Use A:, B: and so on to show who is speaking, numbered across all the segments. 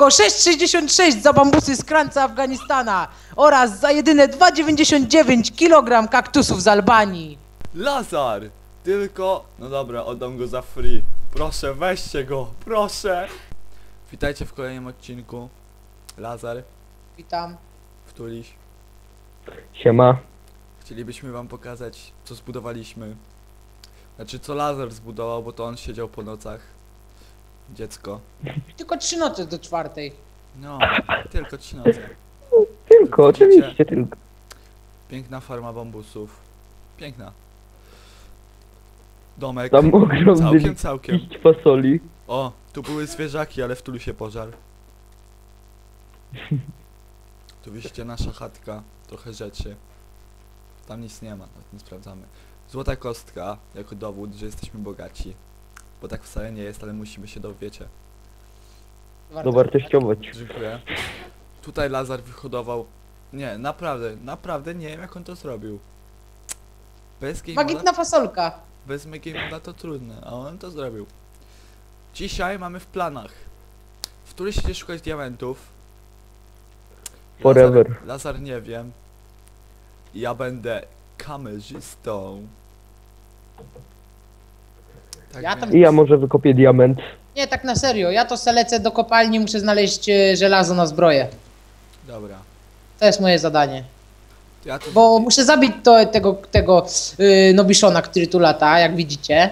A: tylko 6,66 za bambusy z krańca Afganistana oraz za jedyne 2,99 kg kaktusów z Albanii.
B: Lazar! Tylko... No dobra, oddam go za free. Proszę, weźcie go, proszę! Witajcie w kolejnym odcinku. Lazar,
A: Witam.
B: Wtuliś.
C: Siema.
B: Chcielibyśmy wam pokazać, co zbudowaliśmy. Znaczy, co Lazar zbudował, bo to on siedział po nocach. Dziecko.
A: Tylko 3 noce do 4.
B: No, tylko 3 noce.
C: Tylko,
B: Widzicie?
C: oczywiście, tylko.
B: Piękna farma bambusów. Piękna. Domek.
C: Tam ogromny
B: Całkiem.
C: liść fasoli.
B: O, tu były zwierzaki, ale wtulu się pożar. Tu widzicie nasza chatka. Trochę rzeczy. Tam nic nie ma, nawet nie sprawdzamy. Złota kostka, jako dowód, że jesteśmy bogaci. Bo tak wcale nie jest, ale musimy się dowiecie.
C: Dowartościować.
B: Dziękuję. Tutaj Lazar wyhodował... Nie, naprawdę nie wiem, jak on to zrobił. Bez game moda,
A: Magiczna fasolka.
B: bez game moda to trudne, a on to zrobił. Dzisiaj mamy w planach. W którymś idzie szukać diamentów.
C: Forever.
B: Lazar nie wiem. Ja będę kamerzystą. Tak
A: Ja tam-
B: więc-
C: I ja może wykopię diament.
A: Nie, tak na serio. Ja to se lecę do kopalni, muszę znaleźć żelazo na zbroję.
B: Dobra.
A: To jest moje zadanie.
B: Ja to...
A: Bo muszę zabić tego Nobiszona, który tu lata, jak widzicie.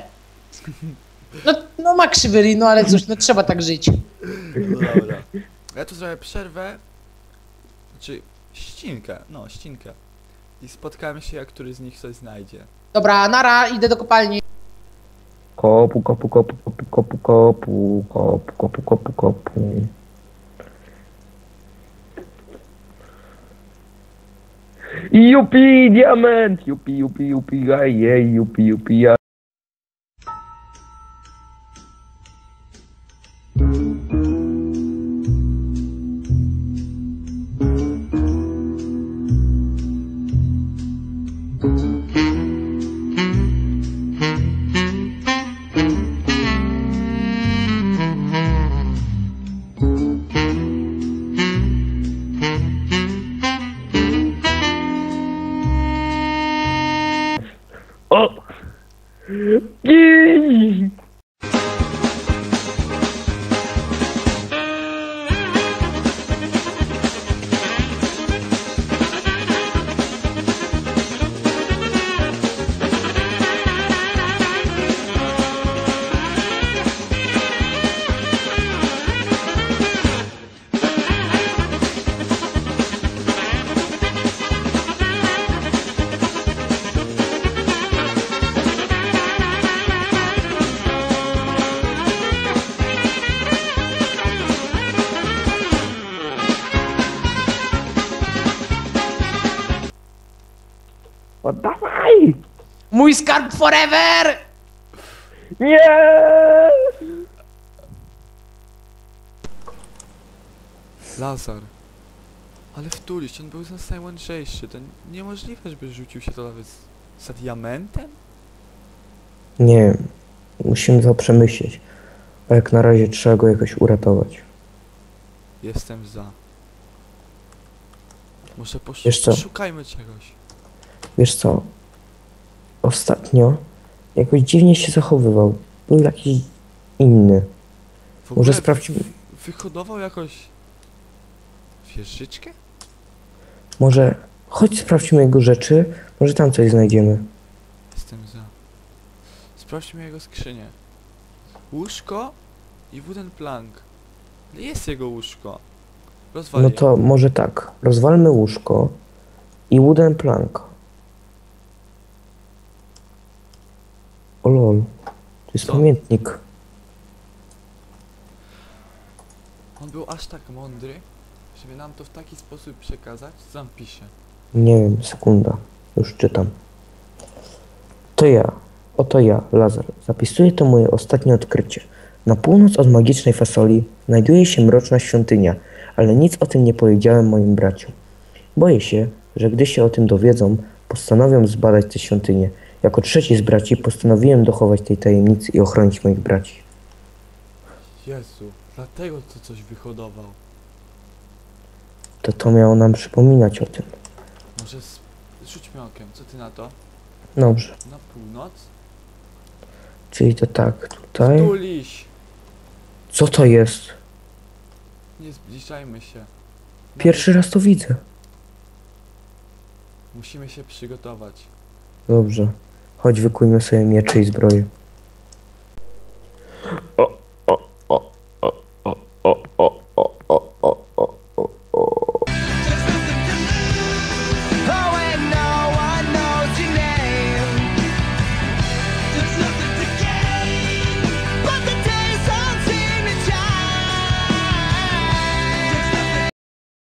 A: No ma krzywy ryj, no ale cóż, no trzeba tak żyć.
B: No dobra. Ja tu zrobię przerwę. Znaczy, ścinkę. No, ścinkę. I spotkamy się, jak któryś z nich coś znajdzie.
A: Dobra, nara, idę do kopalni.
C: Kopu, kopu, kopu, kopu, kopu, kopu, kopu, kopu, kopu, kopu. Jupi, diament! Jupi, jupi, jupi, ajej, jupi, jupi, ja. O! Gii! Oddawaj!
A: Mój skarb forever!
C: Nie!
B: Lazar. Ale wtulić, on był najmądrzejszy. To niemożliwe, żeby rzucił się to nawet za diamentem?
D: Nie, musimy to przemyśleć. A jak na razie trzeba go jakoś uratować.
B: Jestem za. Może
D: Wiesz co?
B: poszukajmy czegoś.
D: Wiesz co? Ostatnio jakoś dziwnie się zachowywał. Był jakiś inny.
B: W
D: Może
B: ogóle
D: sprawdźmy.
B: Wyhodował jakoś... wieżyczkę?
D: Może chodź sprawdźmy jego rzeczy. Może tam coś znajdziemy.
B: Jestem za. Sprawdźmy jego skrzynię. Łóżko i wooden plank. Ale jest jego łóżko. Rozwal
D: No
B: je.
D: to może tak. Rozwalmy łóżko i wooden plank. O lol. To jest
B: Co?
D: pamiętnik.
B: On był aż tak mądry, żeby nam to w taki sposób przekazać, co tam pisze.
D: Nie wiem, sekunda. Już czytam. To ja. Oto ja, Lazar. Zapisuję to moje ostatnie odkrycie. Na północ od magicznej fasoli znajduje się mroczna świątynia, ale nic o tym nie powiedziałem moim braciom. Boję się, że gdy się o tym dowiedzą, postanowią zbadać tę świątynię. Jako trzeci z braci postanowiłem dochować tej tajemnicy i ochronić moich braci.
B: Jezu, Dlatego to coś wyhodował.
D: To miało nam przypominać o tym.
B: Może rzućmy okiem, co ty na to?
D: Dobrze.
B: Na północ?
D: Czyli to tak, tutaj.
B: Tuliś!
D: Co to jest?
B: Nie zbliżajmy się.
D: Pierwszy raz to widzę.
B: Musimy się przygotować.
D: Dobrze. Chodź, wykujmy sobie miecze i zbroję.